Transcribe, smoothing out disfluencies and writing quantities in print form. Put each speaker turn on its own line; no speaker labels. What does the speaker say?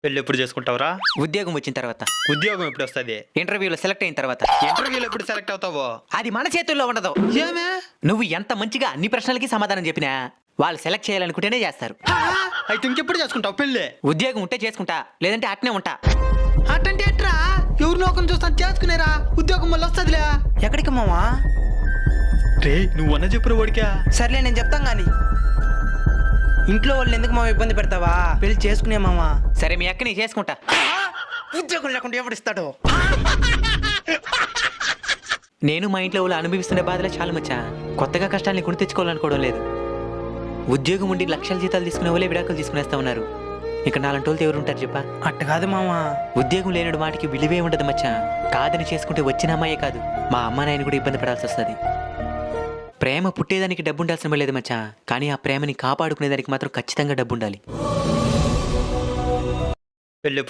పెళ్ళి ఎప్పుడు చేసుకుంటావురా?
ఉద్యోగం వచ్చిన తర్వాత,
ఉద్యోగం ఎప్పుడు వస్తుంది?
ఇంటర్వ్యూలో సెలెక్ట్ అయిన తర్వాత.
ఇంటర్వ్యూలో ఎప్పుడు సెలెక్ట్ అవుతావో?
అది మన చేతుల్లో ఉండదు.
ఏమే?
నువ్వు ఎంత మంచిగా అన్ని ప్రశ్నలకి సమాధానం చెప్పినా వాళ్ళు సెలెక్ట్ చేయాలనుకుంటేనే చేస్తారు.
అయితే ఇంకెప్పుడు చేసుకుంటావు పెళ్ళి?
ఉద్యోగం ఉంటే చేసుకుంటా, లేదంటే అట్నే ఉంటా.
అట్టంటే ఎట్రా? ఎవరు నోకం చూస్తాను చేసుకునేరా, ఉద్యోగం వల్ల వస్తుందిలే.
ఎక్కడికి మామా?
రే నువ్వు అన్న చెప్పురా వాడికా.
సర్లే నేను చెప్తాం గాని. ఇంట్లో వాళ్ళు ఎందుకు మామ ఇబ్బంది పెడతావా? పెళ్లి చేసుకునే మామా.
సరే మీ అక్కని చేసుకుంటా.
ఉద్యోగం లేకుండా ఎవడు ఇస్తాడు?
నేను మా ఇంట్లో వాళ్ళు అనుభవిస్తున్న బాధలే చాలా మచ్చా. కొత్తగా కష్టాన్ని కొని తెచ్చుకోవాలనుకోవడం లేదు. ఉద్యోగం ఉండి లక్షల జీతాలు తీసుకునే వాళ్ళే విడాకులు తీసుకునేస్తా ఉన్నారు. ఇక నాలంటి వాళ్ళతో ఎవరు ఉంటారు చెప్పా?
అట్ట కాదు మామా.
ఉద్యోగం లేనడు వాటికి విలువే ఉండదు మచ్చా. కాదని చేసుకుంటే వచ్చిన అమ్మాయే కాదు, మా అమ్మ నాయన కూడా ఇబ్బంది పడాల్సి వస్తుంది. ప్రేమ పుట్టేదానికి డబ్బు ఉండాల్సిన లేదు మచ్చా, కానీ ఆ ప్రేమని కాపాడుకునేదానికి మాత్రం ఖచ్చితంగా డబ్బు ఉండాలి.
పెళ్ళి